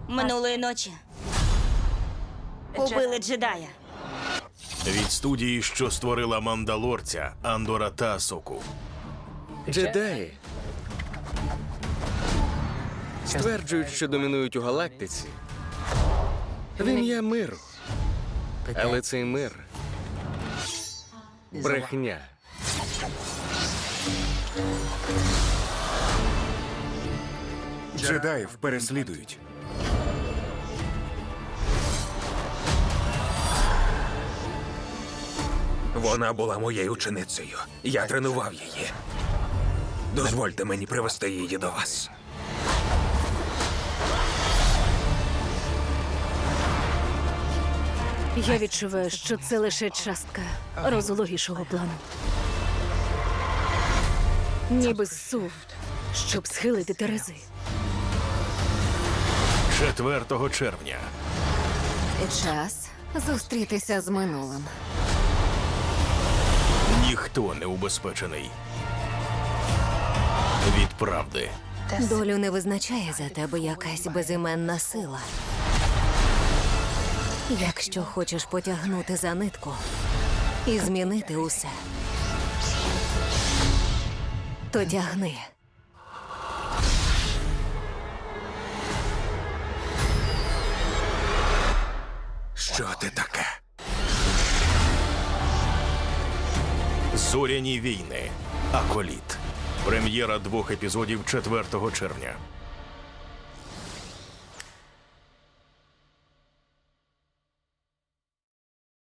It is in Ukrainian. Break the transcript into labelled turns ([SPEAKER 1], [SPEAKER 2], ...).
[SPEAKER 1] Минулої ночі убили джедая.
[SPEAKER 2] Від студії, що створила Мандалорця, Андора та Асоку.
[SPEAKER 3] Джедаї стверджують, що домінують у галактиці в ім'я миру. Але цей мир – брехня.
[SPEAKER 4] Джедаїв переслідують.
[SPEAKER 5] Вона була моєю ученицею. Я тренував її. Дозвольте мені привести її до вас.
[SPEAKER 6] Я відчуваю, що це лише частка розлогішого плану. Ніби зсув, щоб схилити терези.
[SPEAKER 2] 4 червня.
[SPEAKER 7] Час зустрітися з минулим.
[SPEAKER 2] Ніхто не убезпечений від правди.
[SPEAKER 7] Долю не визначає за тебе якась безіменна сила. Якщо хочеш потягнути за нитку і змінити усе, то тягни.
[SPEAKER 5] Що ти таке?
[SPEAKER 2] Зоряні війни. Аколіт. Прем'єра 2 епізодів 4 червня.